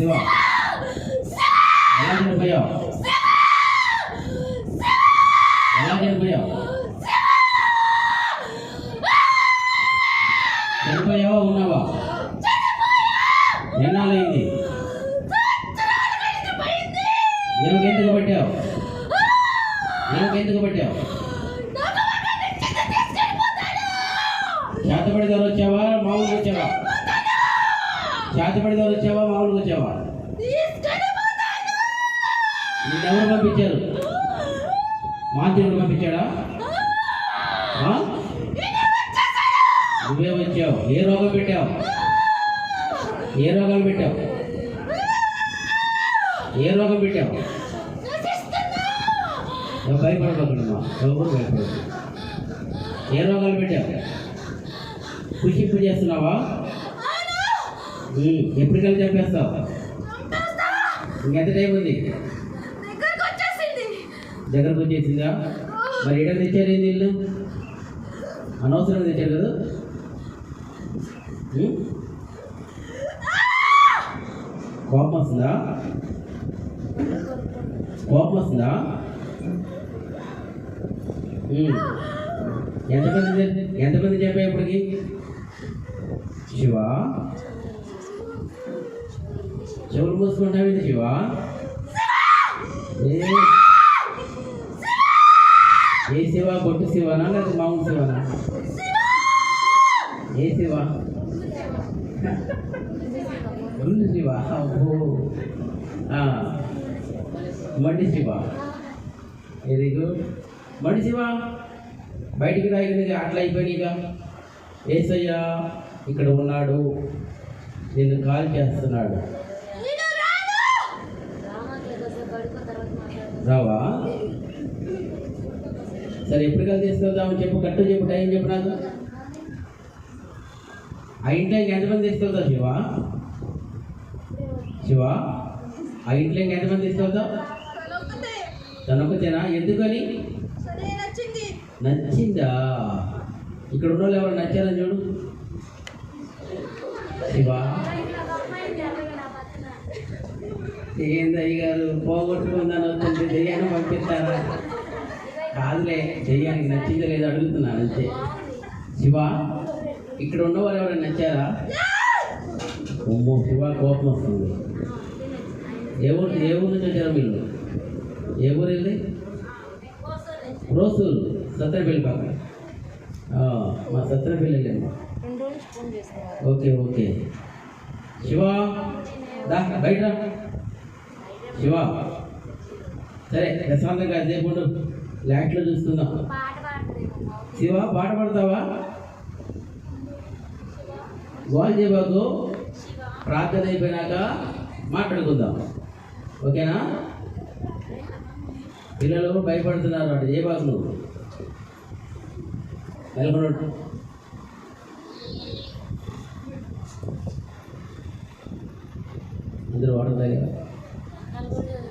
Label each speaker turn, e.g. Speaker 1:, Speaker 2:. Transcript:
Speaker 1: శివ ఎలా చనిపోయావు? ఎలా చనిపోయావు? చనిపోయావా ఉన్నావా? ఎన్నాళ్ళైంది? ఎందుకు పట్టావు? ఎందుకు పట్టావు? చేతపడిదారు వచ్చావా మామూలుగా వచ్చావా? చేతపడిదారు వచ్చావా మామూలుగా వచ్చావా? నిన్నెవరు పంపించారు? మాంత్రికుడు పంపించాడా? నువ్వే వచ్చావు. ఏ రోగం పెట్టావు? ఏ రోగాలు పెట్టావు? ఏ రోగం పెట్టావు? భయపడబోతున్నామా? ఎవరు భయపడదు. ఏ రోగాలు పెట్టావు? పుషింపు చేస్తున్నావా? ఎప్పటికల్లా చంపేస్తావు? ఇంకెంత టైం ఉంది? దగ్గరకు వచ్చేసిందా? మరి ఎక్కడ తెచ్చారు? ఏంది ఇల్లు అనవసరంగా తెచ్చారు కదా? కోపం వస్తుందా? కోపం వస్తుందా? ఎంతమంది చెప్పావు ఇప్పటికి? శివ చెవులు మూసుకుంటావేంటి శివ? ఏ శివ? కొట్టు శివనా లేదా మామూలు శివనా? ఏ శివ? గుండు శివ? అబ్బో మడి శివ. Very good. మడి శివ బయటికి రాయి అట్లా అయిపోయినాయిగా. ఏసయ్యా ఇక్కడ ఉన్నాడు, నిన్ను కాల్ చేస్తున్నాడు. రావా? సరే ఎప్పటికల్లా తీసుకెళ్తామని చెప్పు. కట్టు చెప్పు, టైం చెప్పు నాకు. ఆ ఇంట్లో ఎంతమంది తీసుకెళ్తావు శివ? శివ ఆ ఇంట్లో ఎంతమంది తీసుకెళ్తావు? తనొక్కతేనా? ఎందుకని? నచ్చిందా? ఇక్కడ ఉన్న వాళ్ళు ఎవరు నచ్చారని చూడు. శివ ఏంది అయ్యగారు పోగొట్టుకుందని వస్తుంటే దెయ్యాన్ని పంపిస్తారా? కాదులే, దెయ్యానికి నచ్చిందో లేదో అడుగుతున్నాను అంతే. శివ ఇక్కడ ఉన్నవారు ఎవరైనా నచ్చారా? అమ్మో శివ కోపం వస్తుంది. ఏ ఊరు నుంచి వచ్చారు మీరు? ఏ ఊరు వెళ్ళి? రోసూరు సత్తరపల్లి పక్కన. మా సత్తరపల్లి వెళ్ళాము. Okay okay. శివ దా బయట. శివ సరే ప్రశాంతంగా సేపు ఉండు, లాట్లో చూసుకుందాం. శివ పాట పాడతావా? గోల్ చేయబాకు. ప్రార్థన అయిపోయినాక మాట్లాడుకుందాం, ఓకేనా? పిల్లలు భయపడుతున్నారు, అటు చేయబాకు. నువ్వు నెలకొండ అందరూ వాటర్ తాగారు.